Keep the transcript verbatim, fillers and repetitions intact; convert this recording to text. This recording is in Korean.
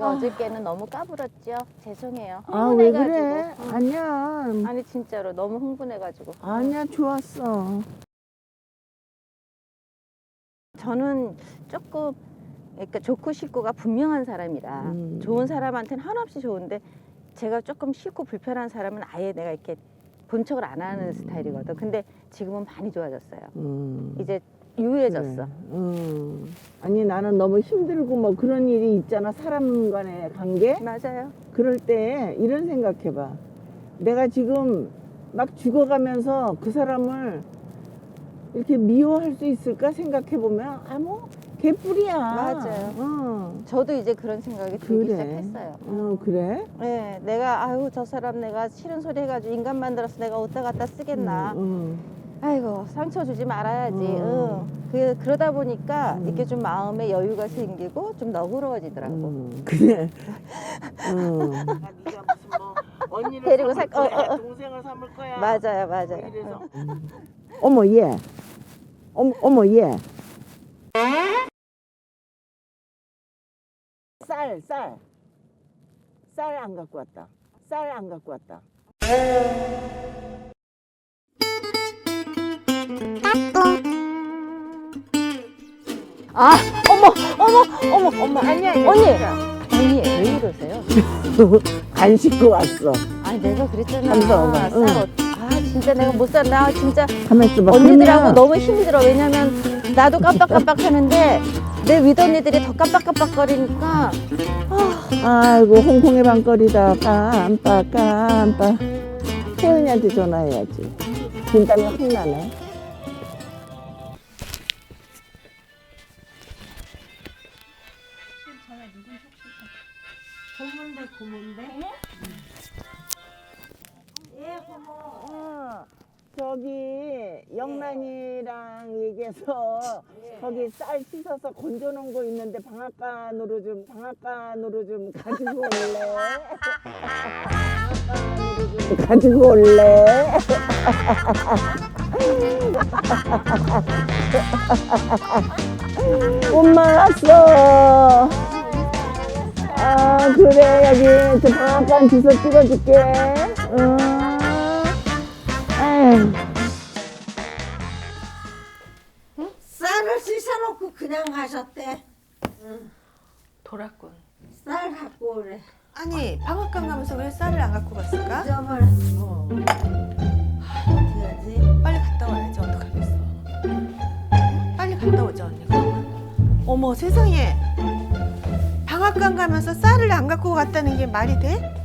제가 어저께는 너무 까불었죠. 죄송해요. 아, 왜 흥분해가지고. 그래? 응. 아니야. 아니 진짜로 너무 흥분해가지고. 아니야, 좋았어. 저는 조금 그러니까 좋고 싫고가 분명한 사람이라 음. 좋은 사람한테는 한없이 좋은데 제가 조금 싫고 불편한 사람은 아예 내가 이렇게 본척을 안 하는 음. 스타일이거든. 근데 지금은 많이 좋아졌어요. 음. 이제 유해졌어. 그래. 음. 아니, 나는 너무 힘들고 뭐 그런 일이 있잖아. 사람 간의 관계? 맞아요. 그럴 때 이런 생각해봐. 내가 지금 막 죽어가면서 그 사람을 이렇게 미워할 수 있을까 생각해보면, 아, 뭐, 개뿔이야. 맞아요. 어. 저도 이제 그런 생각이 들기 그래. 시작했어요. 어, 그래? 네, 내가 아유 저 사람 내가 싫은 소리 해가지고 인간 만들어서 내가 어디다 갖다 쓰겠나. 음, 아이고 상처 주지 말아야지. 음. 응. 그 그러다 보니까 음. 이렇게 좀 마음에 여유가 생기고 좀 너그러워지더라고. 음, 그래. 음. 네가 무슨 뭐 언니를 데리고 삼을 살- 어, 거야, 어, 어. 동생을 삼을 거야. 맞아요, 맞아요. 이래서. 응. 어머 얘. 어머 어머 얘. 쌀 쌀. 쌀 안 갖고 왔다. 쌀 안 갖고 왔다. 아, 어머, 어머, 어머, 어머. 아니야, 언니, 괜찮아. 언니 왜 이러세요? 안 씻고 왔어. 아니 내가 그랬잖아. 감사합니다. 쌀 응. 어- 아 진짜 내가 못 살아. 나 진짜 가만 있어봐. 언니들하고 그러면 너무 힘들어. 왜냐면 나도 깜빡깜빡 하는데 내 윗언니들이 더 깜빡깜빡거리니까 아이고 홍콩의 밤거리다. 깜빡 깜빡. 혜은이한테 전화해야지. 진땀이 확 나네. 고문데 고문데? 예 고모. 어, 저기 영란이랑 얘기해서 거기 쌀 씻어서 건져놓은 거 있는데 방앗간으로 좀 방앗간으로 좀 가지고 올래? 방앗간으로 좀 가지고 올래? 엄마 왔어. 아 그래 여기 저 방앗간 주소 찍어줄게. 응. 에휴. 쌀을 씻어놓고 그냥 가셨대. 돌았군. 쌀 갖고 오래. 아니 방앗간 가면서 왜 쌀을 안 갖고 갔을까? 잊어버렸어. 어떡하지? 빨리 갔다 와야지 어떡하겠어. 빨리 갔다 오자 언니가. 어머 세상에 방앗간 가면서 쌀을 안 갖고 갔다는 게 말이 돼?